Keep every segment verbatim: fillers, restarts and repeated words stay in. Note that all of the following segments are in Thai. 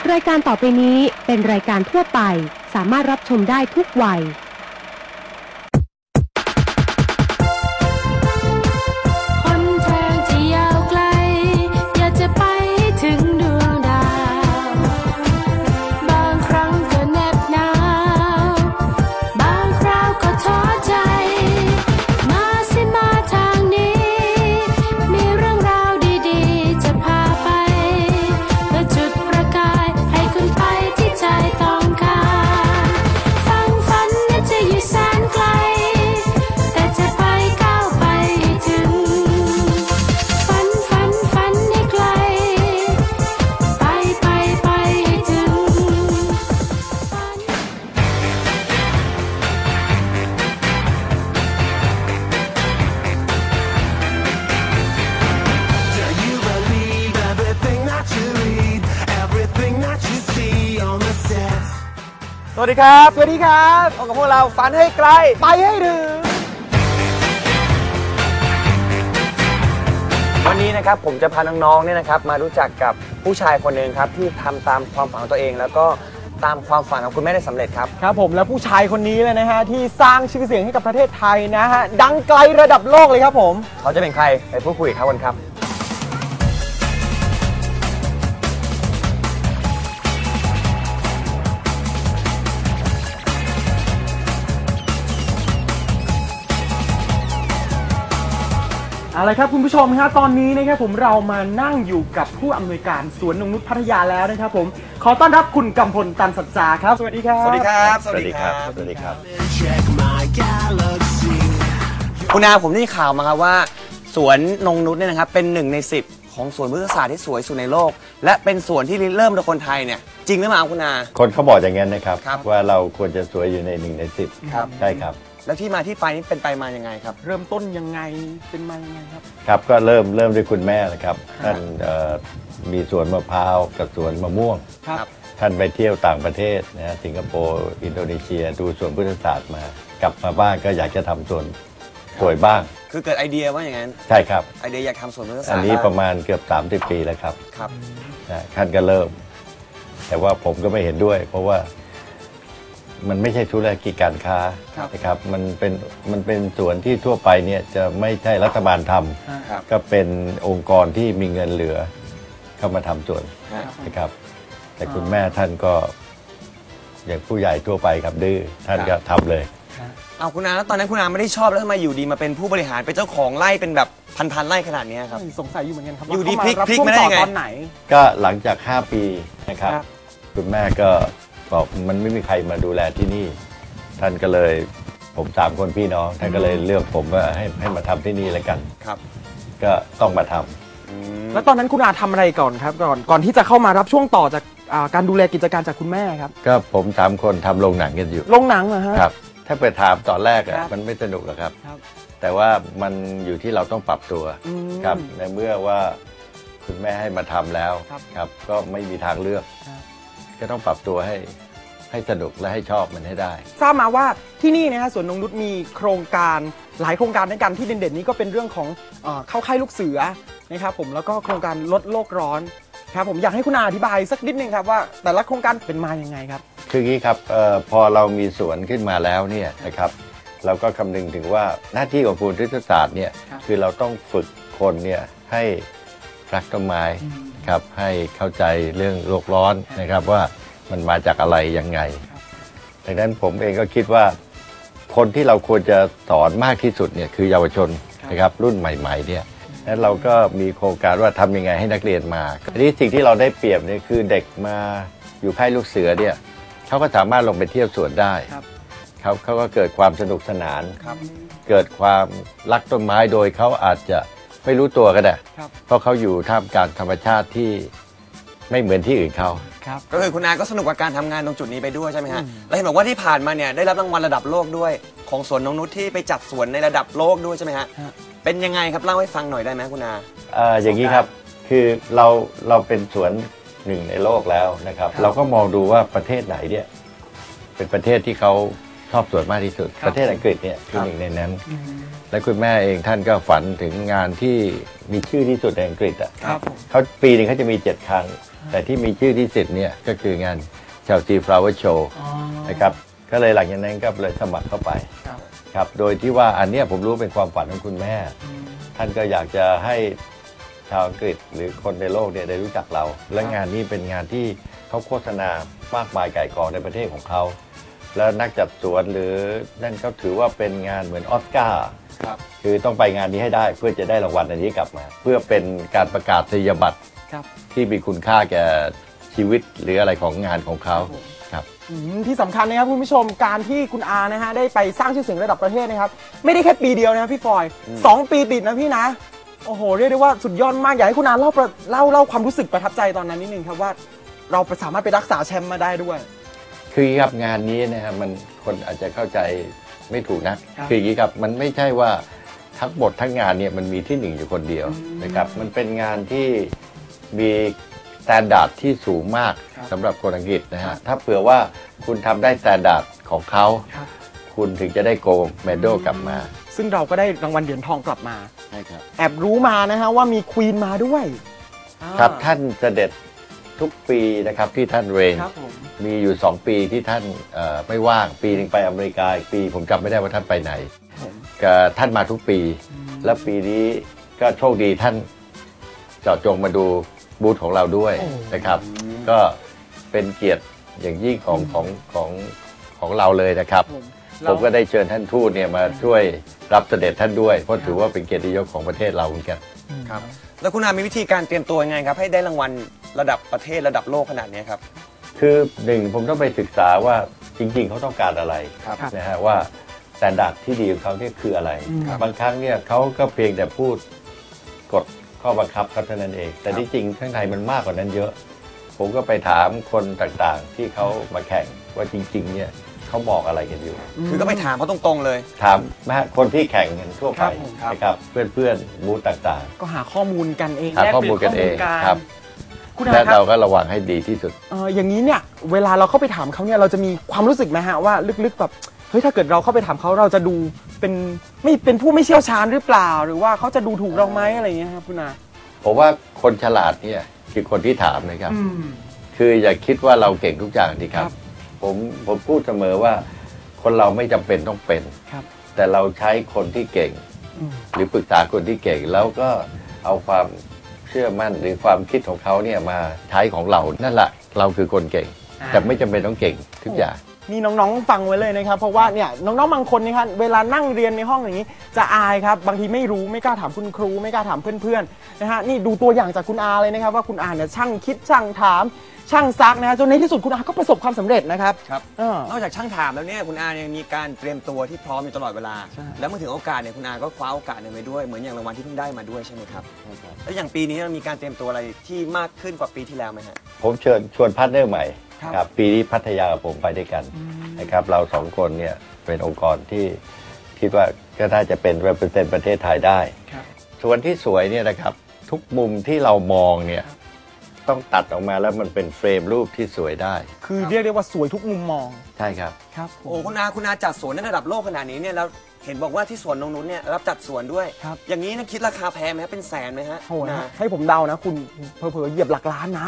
รายการต่อไปนี้เป็นรายการทั่วไปสามารถรับชมได้ทุกวัยสวัสดีครับสวัสดีครับพบกับพวกเราฝันให้ไกลไปให้ถึงวันนี้นะครับผมจะพาน้องๆเนี่ยนะครับมารู้จักกับผู้ชายคนหนึ่งครับที่ทำตามความฝันของตัวเองแล้วก็ตามความฝันของคุณแม่ได้สำเร็จครับครับผมและผู้ชายคนนี้เลยนะฮะที่สร้างชื่อเสียงให้กับประเทศไทยนะฮะดังไกลระดับโลกเลยครับผมเขาจะเป็นใครไปพูดคุยกับเขากันครับเอาละครับคุณผู้ชมครับตอนนี้นะครับผมเรามานั่งอยู่กับผู้อำนวยการสวนนงนุชพัทยาแล้วนะครับผมขอต้อนรับคุณกำพลตันสัจจาครับสวัสดีครับสวัสดีครับสวัสดีครับสวัสดีครับคุณอาผมได้ข่าวมาครับว่าสวนนงนุชเนี่ยนะครับเป็นหนึ่งในสิบของสวนพฤกษศาสตร์ที่สวยสุดในโลกและเป็นสวนที่เริ่มโดยคนไทยเนี่ยจริงหรือเปล่าคุณอาคนเขาบอกอย่างนั้นนะครับว่าเราควรจะสวยอยู่ในหนึ่งในสิบครับใช่ครับแล้วที่มาที่ไปนี่เป็นไปมายังไงครับเริ่มต้นยังไงเป็นมายังไงครับครับก็เริ่มเริ่มด้วยคุณแม่แหละครับท่านมีสวนมะพร้าวกับสวนมะม่วงครับท่านไปเที่ยวต่างประเทศนะฮะสิงคโปร์อินโดนีเซียดูสวนพฤกษศาสตร์มากลับมาบ้านก็อยากจะทำสวนสวยบ้างคือเกิดไอเดียว่าอย่างนั้นใช่ครับไอเดียอยากทำสวนพฤกษศาสตร์อันนี้ประมาณเกือบสามสิบปีแล้วครับครับท่านก็เริ่มแต่ว่าผมก็ไม่เห็นด้วยเพราะว่ามันไม่ใช่ธุรกิจการค้านะครับมันเป็นมันเป็นส่วนที่ทั่วไปเนี่ยจะไม่ใช่รัฐบาลทำก็เป็นองค์กรที่มีเงินเหลือเข้ามาทำส่วนนะครับแต่คุณแม่ท่านก็อย่างผู้ใหญ่ทั่วไปครับดื้อท่านก็ทำเลยเอาคุณอาแล้วตอนนั้นคุณอาไม่ได้ชอบแล้วทำไมอยู่ดีมาเป็นผู้บริหารเป็นเจ้าของไร่เป็นแบบพันๆไร่ขนาดนี้ครับสงสัยอยู่เหมือนกันครับอยู่ดีพลิกพลิกไม่ได้ไงตอนไหนก็หลังจากห้าปีนะครับคุณแม่ก็บอกมันไม่มีใครมาดูแลที่นี่ท่านก็เลยผมสามคนพี่น้องท่านก็เลยเลือกผมว่าให้ให้มาทำที่นี่แล้วกันครับก็ต้องมาทำแล้วตอนนั้นคุณอาทำอะไรก่อนครับก่อนก่อนที่จะเข้ามารับช่วงต่อจากการดูแลกิจการจากคุณแม่ครับก็ผมสามคนทำโรงหนังกันอยู่โรงหนังเหรอฮะครับถ้าไปถามตอนแรกอ่ะมันไม่สนุกหรอกครับแต่ว่ามันอยู่ที่เราต้องปรับตัวครับในเมื่อว่าคุณแม่ให้มาทำแล้วครับก็ไม่มีทางเลือกก็ต้องปรับตัวให้ให้สนุกและให้ชอบมันให้ได้ทราบมาว่าที่นี่นะฮะสวนนงนุชมีโครงการหลายโครงการในการที่เด่นๆนี้ก็เป็นเรื่องของเอ่อเข้าค่ายลูกเสือนะครับผมแล้วก็โครงการลดโลกร้อนครับผมอยากให้คุณอาอธิบายสักนิดนึงครับว่าแต่ละโครงการเป็นมาอย่างไงครับคืออย่างนี้ครับเอ่อพอเรามีสวนขึ้นมาแล้วเนี่ยนะครับเราก็คำนึงถึงว่าหน้าที่ของภูมิพฤกษศาสตร์เนี่ยคือเราต้องฝึกคนเนี่ยให้รักต้นไม้ครับให้เข้าใจเรื่องโลกร้อนนะครับว่ามันมาจากอะไรยังไงดังนั้นผมเองก็คิดว่าคนที่เราควรจะสอนมากที่สุดเนี่ยคือเยาวชนนะครับรุ่นใหม่ๆเนี่ยแล้วเราก็มีโครงการว่าทำยังไงให้นักเรียนมาทีนี้สิ่งที่เราได้เปรียบเนี่ยคือเด็กมาอยู่ค่ายลูกเสือเนี่ยเขาก็สามารถลงไปเที่ยวสวนได้เขาเขาก็เกิดความสนุกสนานเกิดความรักต้นไม้โดยเขาอาจจะไม่รู้ตัวก็ได้เพราะเขาอยู่ท่ามกลางธรรมชาติที่ไม่เหมือนที่อื่นเขาก็คือคุณอาก็สนุกกับการทำงานตรงจุดนี้ไปด้วยใช่ไหมฮะแล้วเห็นบอกว่าที่ผ่านมาเนี่ยได้รับรางวัลระดับโลกด้วยของสวนนงนุชที่ไปจัดสวนในระดับโลกด้วยใช่ไหมฮะเป็นยังไงครับเล่าให้ฟังหน่อยได้ไหมคุณอาอ่าอย่างนี้ครับคือเราเราเป็นสวนหนึ่งในโลกแล้วนะครับเราก็มองดูว่าประเทศไหนเนี่ยเป็นประเทศที่เขาชอบสวนมากที่สุดครับประเทศอังกฤษเนี่ยคือครับหนึ่งในนั้น และคุณแม่เองท่านก็ฝันถึงงานที่มีชื่อที่สุดในอังกฤษอ่ะครับผมเขาปีหนึ่งเขาจะมีเจ็ดครั้ง แต่ที่มีชื่อที่สุดเนี่ยก็คืองาน Chelsea Flower Show อ๋อนะครับก็เลยหลังจากนั้นก็เลยสมัครเข้าไปครับครับโดยที่ว่าอันเนี้ยผมรู้เป็นความฝันของคุณแม่ ท่านก็อยากจะให้ชาวอังกฤษหรือคนในโลกเนี่ยได้รู้จักเรา และงานนี้เป็นงานที่เขาโฆษณามากมายไก่กองในประเทศของเขา แล้วนักจัดสวนหรือนั่นเขาถือว่าเป็นงานเหมือนออสการ์ครับคือต้องไปงานนี้ให้ได้เพื่อจะได้รางวัลอันนี้กลับมา เพื่อเป็นการประกาศนียบัตรครับที่มีคุณค่าแก่ชีวิตหรืออะไรของงานของเขาครับอืมที่สำคัญนะครับคุณผู้ชมการที่คุณอานะฮะได้ไปสร้างชื่อเสียงระดับประเทศนะครับไม่ได้แค่ปีเดียวนะครับพี่ฟอยสองปีติดนะพี่นะโอ้โหเรียกได้ว่าสุดยอดมากอยากให้คุณอาเล่าประเล่าเล่าความรู้สึกประทับใจตอนนั้นนิดนึงครับว่าเราสามารถไปรักษาแชมป์มาได้ด้วยคืออย่างนี้ครับงานนี้นะครับมันคนอาจจะเข้าใจไม่ถูกนะครับ คืออย่างนี้ครับมันไม่ใช่ว่าทั้งหมดทั้งงานเนี่ยมันมีที่หนึ่งอยู่คนเดียวนะครับมันเป็นงานที่มีสแตนดาร์ดที่สูงมากครับสำหรับคนอังกฤษนะฮะถ้าเผื่อว่าคุณทำได้สแตนดาร์ดของเขาครับคุณถึงจะได้โกลด์เมดัลกลับมาซึ่งเราก็ได้รางวัลเหรียญทองกลับมาใช่ครับแอบรู้มานะฮะว่ามีควีนมาด้วยครับอ่าท่านเสด็จทุกปีนะครับที่ท่านเรนครับผมมีอยู่สองปีที่ท่านเอ่อไม่ว่างปีหนึ่งไปอเมริกาอีกปีผมจำไม่ได้ว่าท่านไปไหนผมก็ท่านมาทุกปี และปีนี้ก็โชคดีท่านเจาะจงมาดูบูธของเราด้วยนะครับ ก็เป็นเกียรติอย่างยิ่งของของของของเราเลยนะครับผมผมก็ได้เชิญท่านทูตเนี่ยมาช่วยรับเสด็จท่านด้วยเพราะถือว่าเป็นเกียรติยศของประเทศเราเหมือนกันครับแล้วคุณอามีวิธีการเตรียมตัวยังไงครับให้ได้รางวัลระดับประเทศระดับโลกขนาดนี้ครับคือหนึ่งผมต้องไปศึกษาว่าจริง ๆเขาต้องการอะไรครับนะฮะว่าสแตนดาร์ดที่ดีของเขาเนี่ยคืออะไรครับบางครั้งเนี่ยเขาก็เพียงแต่พูดกฎข้อบังคับเขาเท่านั้นเอง แต่ที่จริงข้างในมันมากกว่านั้นเยอะ ผมก็ไปถามคนต่างๆ ที่เขามาแข่งว่าจริงๆเนี่ยเขามองอะไรกันอยู่คือก็ไปถามเขาตรงๆเลยถามนะฮะคนที่แข่งกันทั่วไปครับผมครับนะครับเพื่อนๆบูธต่างก็หาข้อมูลกันเองๆหาข้อมูลกันเองแลปลี่ยครับคุณและอาครัเราบก็ระวังให้ดีที่สุดเอออย่างนี้เนี่ยเวลาเราเข้าไปถามเขาเนี่ยเราจะมีความรู้สึกไหมฮะว่าลึกๆแบบเฮ้ยถ้าเกิดเราเข้าไปถามเขาเราจะดูเป็นไม่เป็นผู้ไม่เชี่ยวชาญหรือเปล่า หรือว่าเขาจะดูถูกเราไหมอะไรอย่างเงี้ยครับคุณอาผมว่าคนฉลาดเนี่ยคือคนที่ถามนะครับอืมคืออย่าคิดว่าเราเก่งทุกอย่างดีครัครับ บผมผมพูดเสมอว่าคนเราไม่จำเป็นต้องเป็นครับแต่เราใช้คนที่เก่งอืมหรือปรึกษาคนที่เก่ง แล้วก็เอาความเชื่อมั่นหรือความคิดของเขาเนี่ยมาใช้ของเรานั่นแหละเราคือคนเก่งอ่าแต่ไม่จำเป็นต้องเก่งทุกอย่างนี่น้องๆฟังไว้เลยนะครับเพราะว่าเนี่ยน้องๆบางคนนะครับเวลานั่งเรียนในห้องอย่างนี้ จะอายครับบางทีไม่รู้ไม่กล้าถามคุณครู ไม่กล้าถามเพื่อนๆนะฮะนี่ดูตัวอย่างจากคุณอาเลยนะครับว่าคุณอาเนี่ยช่างคิดช่างถาม ช่างซักนะฮะจนในที่สุดคุณอาก็ประสบความสำเร็จนะครับครับเออนอกจากช่างถามแล้วเนี่ยคุณอายังมีการเตรียมตัวที่พร้อมอยู่ตลอดเวลาใช่แล้วเมื่อถึงโอกาสเนี่ยคุณอาก็คว้าโอกาสเนี่ยไปด้วยเหมือนอย่างรางวัลที่เพิ่งได้มาด้วยใช่ไหมครับแล้วอย่างปีนี้เรามีการเตรียมตัวอะไรที่มากขึ้นกว่าปีที่แล้วไหมฮะผมเชิญชวนพาร์ทเนอร์ใหม่ครับครับปีนี้พัทยากับผมไปด้วยกันนะครับเราสองคนเนี่ยเป็นองค์กรที่คิดว่าก็น่าจะเป็น represent ประเทศไทยได้ครับส่วนที่สวยเนี่ยนะครับทุกมุมที่เรามองเนี่ยต้องตัดออกมาแล้วมันเป็นเฟรมรูปที่สวยได้คือเรียกได้ว่าสวยทุกมุมมองใช่ครับครับโอ้คุณอาคุณอาจัดสวนในระดับโลกขนาดนี้เนี่ยแล้วเห็นบอกว่าที่สวนนงนุชเนี่ยรับจัดสวนด้วยครับอย่างนี้เนะคิดราคาแพงไหมฮะเป็นแสนไหมฮะโอ้โหคุณอาให้ผมเดานะ คุณเผลอๆเหยียบหลักล้านนะ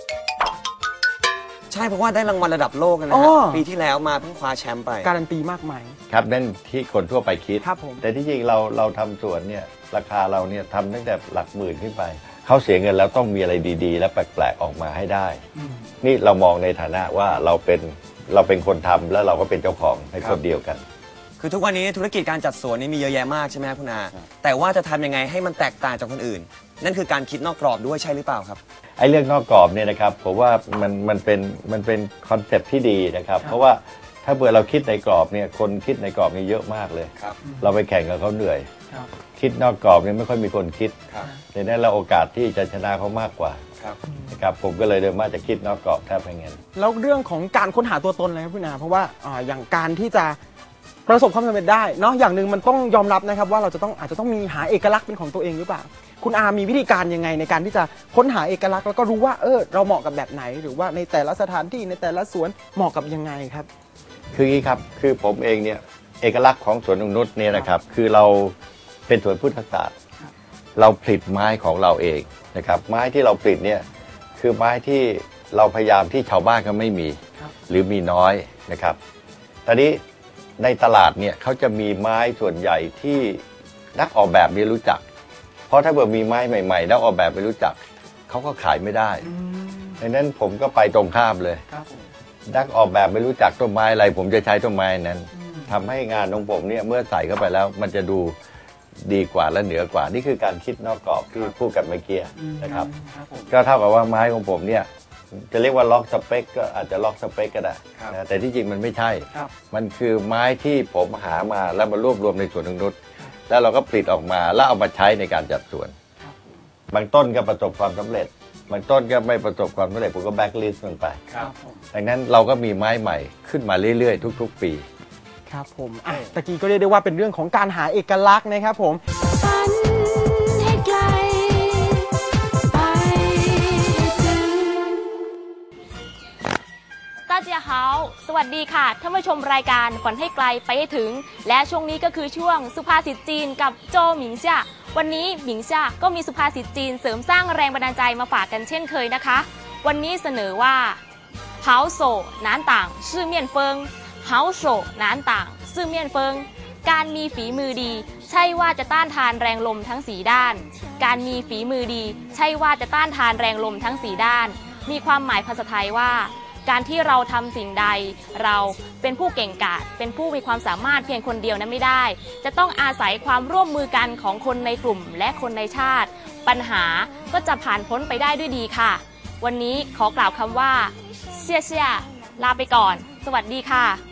ใช่เพราะว่าได้รางวัลระดับโลกนะอ๋ฮะอปีที่แล้วมาเพิ่งคว้าแชมป์ไปการันตีมากมายครับนั่นที่คนทั่วไปคิดครับผมแต่ที่จริงเราเราทำสวนเนี่ยราคาเราเนี่ยทำตั้งแต่หลักหมื่นขึ้นไป เขาเสียเงินแล้วต้องมีอะไรดีๆ และแปลกๆออกมาให้ได้ นี่เรามองในฐานะว่าเราเป็นเราเป็นคนทำแล้วเราก็เป็นเจ้าของในคนเดียวกันคือทุกวันนี้ธุรกิจการจัดสวนนี่มีเยอะแยะมากใช่ไหมครับคุณอาแต่ว่าจะทำยังไงให้มันแตกต่างจากคนอื่น นั่นคือการคิดนอกกรอบด้วยใช่หรือเปล่าครับไอ้เรื่องนอกกรอบเนี่ยนะครับผมว่ามันมันเป็นมันเป็นคอนเซ็ปต์ที่ดีนะครับ เพราะว่าถ้าเบื่อเราคิดในกรอบเนี่ยคนคิดในกรอบนี่เยอะมากเลยครับเราไปแข่งกับเขาเหนื่อยครับคิดนอกกรอบเนี่ยไม่ค่อยมีคนคิดครับในนั้นเราโอกาสที่จะชนะเขามากกว่าครับนะครับผมก็เลยเดินมาจะคิดนอกกรอบแทบไม่งั้นแล้วเรื่องของการค้นหาตัวตนเลยครับคุณอาเพราะว่าอ่าอย่างการที่จะประสบความสำเร็จได้เนาะอย่างหนึ่งมันต้องยอมรับนะครับว่าเราจะต้องอาจจะต้องมีหาเอกลักษณ์เป็นของตัวเองหรือเปล่า คุณอามีวิธีการยังไงในการที่จะค้นหาเอกลักษณ์แล้วก็รู้ว่าเออเราเหมาะกับแบบไหน หรือว่าในแต่ละสถานที่ในแต่ละสวนเหมาะกับยังไงครับคืออย่างนี้ครับคือผมเองเนี่ยเอกลักษณ์ของสวนนงนุชเนี่ยนะครับคือเราเป็นสวนพุทธศาสตร์เราผลิตไม้ของเราเองนะครับไม้ที่เราผลิตเนี่ยคือไม้ที่เราพยายามที่ชาวบ้านก็ไม่มีหรือมีน้อยนะครับตอนนี้ในตลาดเนี่ยเขาจะมีไม้ส่วนใหญ่ที่นักออกแบบไม่รู้จักเพราะถ้าเกิดมีไม้ใหม่ๆนักออกแบบไม่รู้จักเขาก็ขายไม่ได้ดังนั้นผมก็ไปตรงข้ามเลยนักออกแบบไม่รู้จักต้นไม้อะไรผมจะใช้ต้นไม้นั้นทำให้งานของผมเนี่ยเมื่อใส่เข้าไปแล้วมันจะดูดีกว่าและเหนือกว่านี่คือการคิดนอกกรอบที่พูดกันเมื่อกี้นะครับก็เท่ากับว่าไม้ของผมเนี่ยจะเรียกว่าล็อกสเปคก็อาจจะล็อกสเปคก็ได้นะแต่ที่จริงมันไม่ใช่มันคือไม้ที่ผมหามาแล้วมารวบรวมในสวนนงนุชแล้วเราก็ผลิตออกมาแล้วเอามาใช้ในการจัดสวนบางต้นก็ประสบความสำเร็จบางต้นก็ไม่ประสบความสำเร็จผมก็แบ็คลิสต์มันไปดังนั้นเราก็มีไม้ใหม่ขึ้นมาเรื่อยๆทุกๆปีครับผมอ่ะตะกี้ก็เรียกได้ว่าเป็นเรื่องของการหาเอกลักษณ์นะครับผม大家好สวัสดีค่ะท่านผู้ชมรายการฝันให้ไกลไปให้ถึงและช่วงนี้ก็คือช่วงสุภาษิตจีนกับโจหมิงซ่าวันนี้หมิงซ่าก็มีสุภาษิตจีนเสริมสร้างแรงบันดาลใจมาฝากกันเช่นเคยนะคะวันนี้เสนอว่า好手难挡四面风好手难挡四面风การมีฝีมือดีใช่ว่าจะต้านทานแรงลมทั้งสี่ด้านการมีฝีมือดีใช่ว่าจะต้านทานแรงลมทั้งสี่ด้านมีความหมายภาษาไทยว่าการที่เราทำสิ่งใดเราเป็นผู้เก่งกาจเป็นผู้มีความสามารถเพียงคนเดียวนั้นไม่ได้จะต้องอาศัยความร่วมมือกันของคนในกลุ่มและคนในชาติปัญหาก็จะผ่านพ้นไปได้ด้วยดีค่ะวันนี้ขอกล่าวคำว่าเชี่ยเชี่ยลาไปก่อนสวัสดีค่ะ